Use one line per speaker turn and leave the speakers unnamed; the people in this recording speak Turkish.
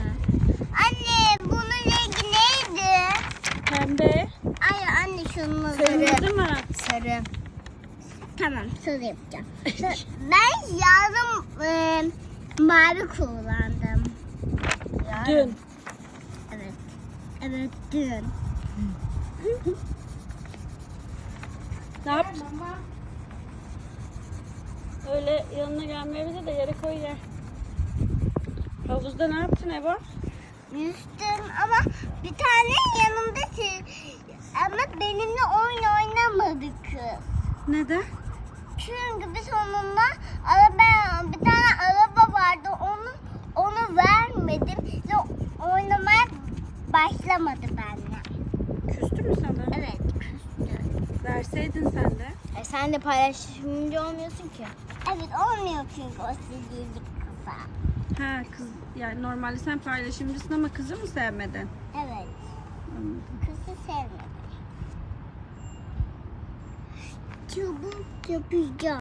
Anne bunun rengi neydi?
Pembe.
Ay anne şunun
Kırmızı mı?
Sarı. Tamam sarı yapacağım. Ben yarın mavi kullandım.
Dün.
Evet. Evet dün.
Ne yaptın? Öyle yanına gelmeyebilir de yere koy yer. Havuzda ne yaptın Eva?
Yüzdüm ama bir tane yanımda ama benimle oyun oynamadı kız.
Neden?
Çünkü biz onunla bir tane araba vardı onu vermedim ve oynamaya başlamadı benimle.
Küstü mü sana?
Evet küstü.
Verseydin sen de.
Sen de paylaşımcı olmuyorsun ki. Evet olmuyor çünkü o sizlik kıza.
Ha kız yani normalde sen paylaşımcısın ama kızı mı sevmedin?
Evet
Anladım.
kızı sevmedi. Çabuk yapacağım.